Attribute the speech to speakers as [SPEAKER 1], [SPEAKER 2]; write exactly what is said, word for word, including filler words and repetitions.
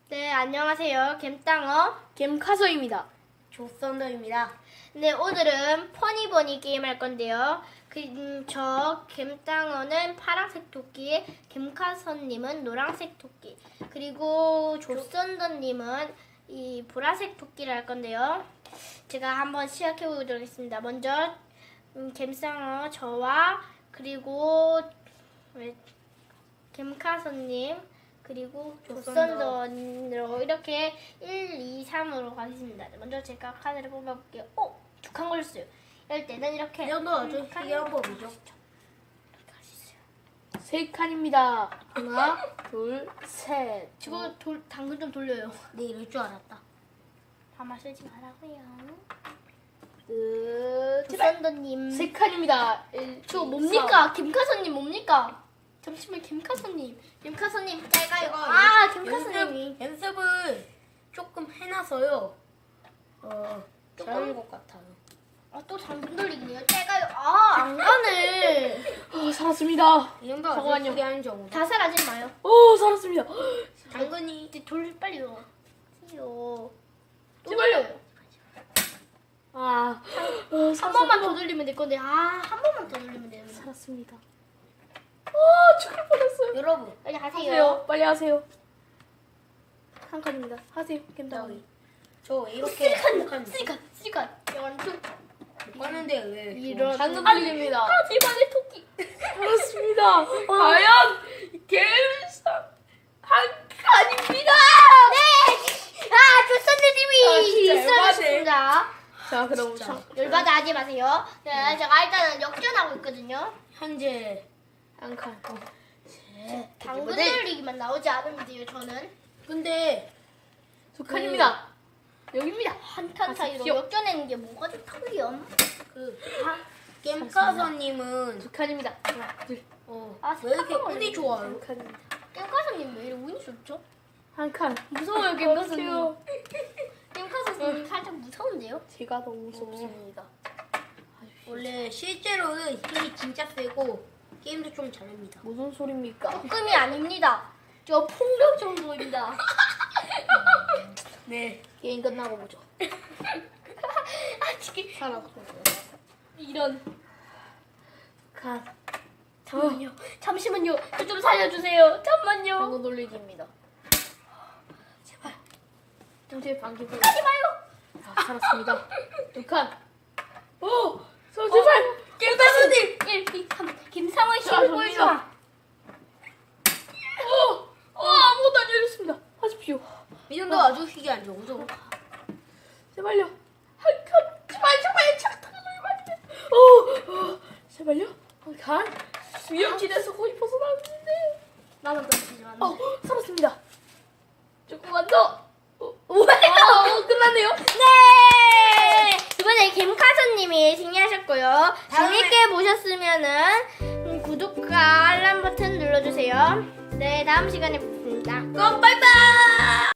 [SPEAKER 1] 네, 안녕하세요. 겜땅어
[SPEAKER 2] 겜카소입니다.
[SPEAKER 3] 조선더입니다.
[SPEAKER 1] 네, 오늘은 퍼니버니 게임 할 건데요. 그, 음, 저 겜땅어는 파란색 토끼, 겜카선님은 노란색 토끼, 그리고 조선더님은 이 보라색 토끼를 할 건데요. 제가 한번 시작해 보도록 하겠습니다. 먼저 음, 겜땅어 저와 그리고 왜, 겜카선님 그리고 조선더로 이렇게 일, 이, 삼으로 가겠습니다. 먼저 제가 카드를 뽑아볼게요. 오! 두 칸 걸렸어요. 이럴 때는 이렇게
[SPEAKER 3] 이 정도 아주
[SPEAKER 1] 한 칸.
[SPEAKER 3] 희귀한 법이죠.
[SPEAKER 1] 이렇게 할 수 있어요.
[SPEAKER 2] 세 칸입니다. 하나, 둘, 셋.
[SPEAKER 1] 저거 돌, 당근 좀 돌려요.
[SPEAKER 3] 네, 이럴 줄 알았다.
[SPEAKER 1] 아마 쓰지 말라고요.
[SPEAKER 2] 끝. 제발.
[SPEAKER 1] 조선더님.
[SPEAKER 2] 세 칸입니다. 일,
[SPEAKER 1] 저
[SPEAKER 2] 이,
[SPEAKER 1] 뭡니까? 김카선님 뭡니까? 잠시만 김카선님. 김카선님 짧아요.
[SPEAKER 3] 제가
[SPEAKER 1] 아
[SPEAKER 3] 연-
[SPEAKER 1] 김카선님이.
[SPEAKER 3] 연습, 연습을 조금 해놔서요. 어, 잘하는 것 같아요.
[SPEAKER 1] 아 또 당근 돌리기네요. 짧아요. 아안 가네.
[SPEAKER 2] 삼. 어, 살았습니다.
[SPEAKER 3] 이 정도 아주
[SPEAKER 2] 잠깐만요.
[SPEAKER 3] 희귀한 정도.
[SPEAKER 1] 다 사라지 마요.
[SPEAKER 2] 오, 살았습니다.
[SPEAKER 3] 당근이
[SPEAKER 1] 이제 돌 빨리요. 빨리요. 또
[SPEAKER 2] 제발요.
[SPEAKER 1] 돌려요.
[SPEAKER 2] 아, 어,
[SPEAKER 1] 한
[SPEAKER 2] 살았습니다.
[SPEAKER 1] 번만 더 돌리면 될 건데 아 한 번만 더 돌리면 되는데.
[SPEAKER 2] 살았습니다. 아, 죽을 뻔했어요.
[SPEAKER 3] 여러분,
[SPEAKER 1] 빨리 하세요.
[SPEAKER 2] 하세요. 빨리 하세요. 한 칸입니다. 하세요. 겜다위.
[SPEAKER 3] 저기 저 이렇게
[SPEAKER 1] 쓰리칸 쓰리칸 쓰리칸 원투
[SPEAKER 3] 하는데 왜
[SPEAKER 1] 이런
[SPEAKER 2] 방금
[SPEAKER 1] 아니,
[SPEAKER 2] 돌립니다.
[SPEAKER 1] 아 제발의 토끼.
[SPEAKER 2] 살았습니다. 과연 겜상 한 칸입니다.
[SPEAKER 1] 네. 아 조선님이
[SPEAKER 2] 아, 진짜
[SPEAKER 1] 있어주셨습니다.
[SPEAKER 2] 자, 그럼
[SPEAKER 3] 진짜.
[SPEAKER 2] 저-
[SPEAKER 1] 열받아 하지 마세요. 네, 제가 일단은 역전하고 있거든요.
[SPEAKER 3] 현재
[SPEAKER 2] 한 칸. 어.
[SPEAKER 3] 네.
[SPEAKER 1] 당근
[SPEAKER 3] 근데-
[SPEAKER 1] 돌리기만 나오지 않으면 돼요. 저는
[SPEAKER 3] 근데
[SPEAKER 2] 두 칸입니다. 여기입니다.
[SPEAKER 1] 한 칸 사이로
[SPEAKER 2] 하십시오.
[SPEAKER 1] 역전하는 게 뭐가 좋다고요?
[SPEAKER 3] 그
[SPEAKER 1] 아,
[SPEAKER 3] 겜카서님은
[SPEAKER 2] 두 칸입니다. 하나, 둘,
[SPEAKER 3] 어,
[SPEAKER 1] 아,
[SPEAKER 3] 왜 이렇게
[SPEAKER 1] 잠깐만요.
[SPEAKER 3] 운이 좋아요?
[SPEAKER 2] 한 칸입니다.
[SPEAKER 1] 깽카선님 왜 이렇게 운이 좋죠?
[SPEAKER 2] 한 칸.
[SPEAKER 1] 무서워요,
[SPEAKER 2] 어떡해요.
[SPEAKER 1] 깽카선님. 깽카선님 살짝 무서운데요?
[SPEAKER 2] 제가 너무 무섭습니다.
[SPEAKER 3] 원래 실제로는 힘이 진짜 세고 게임도 좀 잘합니다.
[SPEAKER 2] 무슨 소리입니까?
[SPEAKER 1] 조금이 아닙니다. 저 폭력 정도입니다.
[SPEAKER 3] 네.
[SPEAKER 2] 게임 끝나고 보죠.
[SPEAKER 1] 아, 지금
[SPEAKER 2] 살았고.
[SPEAKER 1] 이런.
[SPEAKER 2] 칸.
[SPEAKER 1] 잠깐만요. 잠시만요. 저 좀 살려주세요. 잠만요.
[SPEAKER 2] 방금 돌리기입니다.
[SPEAKER 1] 제발.
[SPEAKER 2] 정체 방귀 돌.
[SPEAKER 1] 하지 마요.
[SPEAKER 2] 아, 살았습니다. 두 칸. 오! 저 제발!
[SPEAKER 1] 깽카선님. 일, 이, 삼. 김상원
[SPEAKER 2] 자,
[SPEAKER 1] 씨를 보여줘.
[SPEAKER 2] 오! 어, 아무것도 안 열렸습니다. 하십시오.
[SPEAKER 3] 이 정도 아주 희귀한 정도.
[SPEAKER 2] 제발요. 한 칸. 제발, 제발. 착탁을 말해. 오! 오! 제발요. 한 칸. 위험지대에서 거의 벗어나는데.
[SPEAKER 1] 나만 떨어지지만.
[SPEAKER 2] 어, 살았습니다. 조금만 더. 어, 오, 어, 끝났네요.
[SPEAKER 1] 네! 이번에 김카선님이 승리하셨고요.
[SPEAKER 3] 다음에-
[SPEAKER 1] 재밌게 보셨으면은 음, 구독과 알람 버튼 눌러주세요. 네, 다음 시간에 뵙겠습니다.
[SPEAKER 3] 그럼 빠이빠이!